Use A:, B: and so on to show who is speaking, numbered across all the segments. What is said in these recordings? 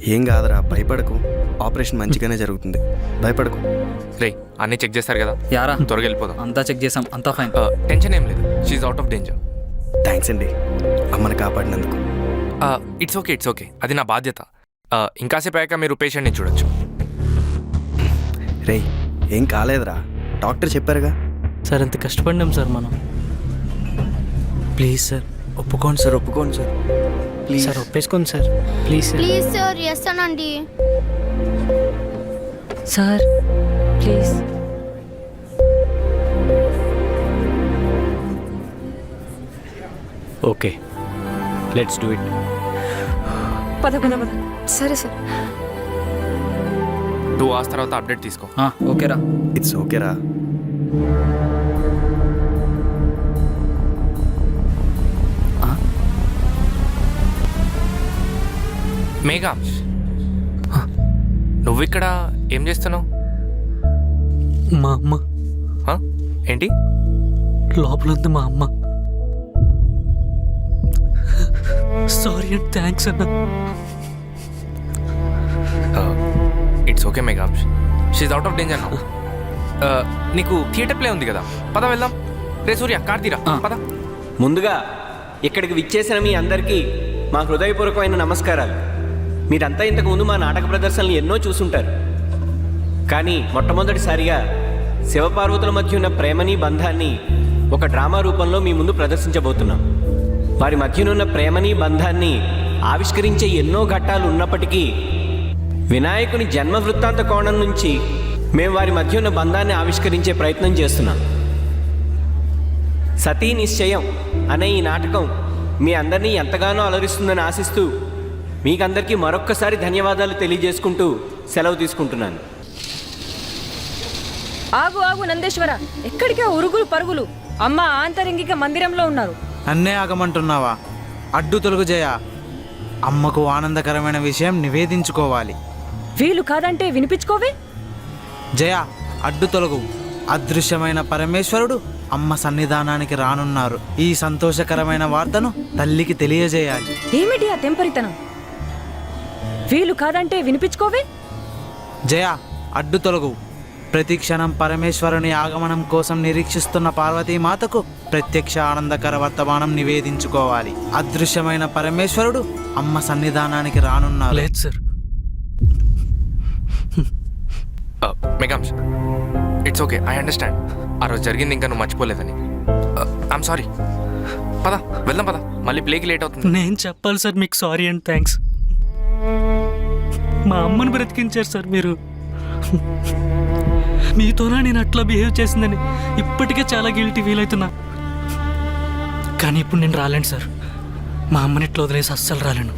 A: ఏం కాదురా, భయపడకు. ఆపరేషన్ మంచిగానే జరుగుతుంది, భయపడకు.
B: రే అన్నీ చెక్ చేస్తారు కదా,
C: యారా
B: త్వరగా వెళ్ళిపోదాం.
C: అంతా చెక్ చేసాం, అంతా ఫైన్.
B: టెన్షన్ ఏం లేదు, she's out of danger.
A: Thanks అండి అమ్మని కాపాడినందుకు.
B: ఇట్స్ ఓకే, అది నా బాధ్యత. ఇంకాసేపు అయ్యాక మీరు పేషెంట్ని చూడొచ్చు.
A: రేయ్ ఏం కాలేదురా, డాక్టర్ చెప్పారుగా.
D: సార్ ఎంత కష్టపడినాం సార్ మనం. ప్లీజ్ సార్
A: ఒప్పుకోండి సార్, ఒప్పుకోండి సార్, ప్లీజ్
D: సార్ ఒప్పేసుకోండి sir, please sir.
E: Please sir చేస్తానండి
F: sir please.
D: Okay let's do it.
F: పద పద పద. సరే సార్.
B: 2 hours తర్వాత అప్డేట్ తీసుకో.
C: ఓకేరా.
A: ఇట్స్ ఓకేరా.
B: మేఘా, నువ్వు ఇక్కడ ఏం చేస్తున్నావు?
D: మా అమ్మ.
B: ఏంటి?
D: లోపల ఉంది మా అమ్మ. సారీ అండ్ థ్యాంక్స్ అన్న.
B: It's okay Megha, she's out of danger now. నీకు థియేటర్ ప్లే ఉంది కదా, పద వెళ్దాం. రే సూర్య కార్ తీరా, పద.
G: ముందుగా ఇక్కడికి విచ్చేసిన మీ అందరికీ మా హృదయపూర్వకమైన నమస్కారాలు. మీరంతా ఇంతకుముందు మా నాటక ప్రదర్శనలు ఎన్నో చూసుంటారు, కానీ మొట్టమొదటిసారిగా శివపార్వతుల మధ్య ఉన్న ప్రేమని బంధాన్ని ఒక డ్రామా రూపంలో మీ ముందు ప్రదర్శించబోతున్నాం. వారి మధ్యనున్న ప్రేమని బంధాన్ని ఆవిష్కరించే ఎన్నో ఘట్టాలు ఉన్నప్పటికీ వినాయకుని జన్మ వృత్తాంత కోణం నుంచి మేము వారి మధ్య ఉన్న బంధాన్ని ఆవిష్కరించే ప్రయత్నం చేస్తున్నాం. సతీ నిశ్చయం అనే ఈ నాటకం మీ అందరినీ ఎంతగానో అలరిస్తుందని ఆశిస్తూ మీకందరికీ మరొక్కసారి ధన్యవాదాలు తెలియజేసుకుంటూ సెలవు తీసుకుంటున్నాను.
F: ఆగు ఆగు నందేశ్వర, ఎక్కడికే ఉరుగులు పరుగులు? అమ్మ ఆంతరింగిక మందిరంలో ఉన్నారు.
H: అన్నే ఆగమంటున్నావా? అడ్డు తొలగు జయ. అమ్మకు ఆనందకరమైన విషయం నివేదించుకోవాలి.
F: వీలు కాదంటే వినిపించుకోవే.
H: జయ అడ్డు తొలగు. అదృశ్యమైన పరమేశ్వరుడు అమ్మ సన్నిధానానికి రానున్నారు. ఈ సంతోషకరమైన వార్తను తల్లికి తెలియజేయాలి.
F: ఏమిటి ఆ తెంపరితనం? వీలు కాదంటే వినిపించుకోవే.
H: జయ అడ్డు తొలగు. ప్రతి క్షణం పరమేశ్వరుని ఆగమనం కోసం నిరీక్షిస్తున్న పార్వతీమాతకు ప్రత్యక్ష ఆనందకర వర్తమానం నివేదించుకోవాలి. అదృశ్యమైన పరమేశ్వరుడు అమ్మ సన్నిధానానికి రానున్నారు.
D: లేదు sir.
B: Meghansh, it's okay, I understand. ఆ రోజు జరిగింది ఇంకా నువ్వు మర్చిపోలేదని. I'm sorry. పద వెళ్దాం, పద. మళ్ళీ ప్లేకి లేట్ అవుతుంది.
D: నేను చెప్పాలి సార్ మీకు సారీ అండ్ థ్యాంక్స్. మా అమ్మని బ్రతికించారు సార్ మీరు. మీతోనే నేను అట్లా బిహేవ్ చేసిందని ఇప్పటికే చాలా గిల్టీ ఫీల్ అవుతున్నా. కానీ ఇప్పుడు నేను రాలేను సార్. మా అమ్మని ఇట్లా వదిలేసి అస్సలు రాలేను.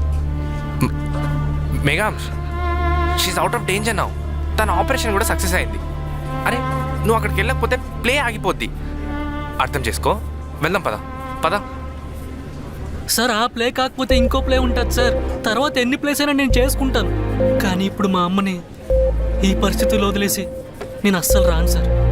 B: Meghansh, she's out of danger now. తన ఆపరేషన్ కూడా సక్సెస్ అయింది. అరే నువ్వు అక్కడికి వెళ్ళకపోతే ప్లే ఆగిపోద్ది. అర్థం చేసుకో. వెళ్దాం, పద పద.
D: సార్ ఆ ప్లే కాకపోతే ఇంకో ప్లే ఉంటుంది సార్. తర్వాత ఎన్ని ప్లేస్ అయినా నేను చేసుకుంటాను. కానీ ఇప్పుడు మా అమ్మని ఈ పరిస్థితుల్లో వదిలేసి నేను అస్సలు రాను సార్.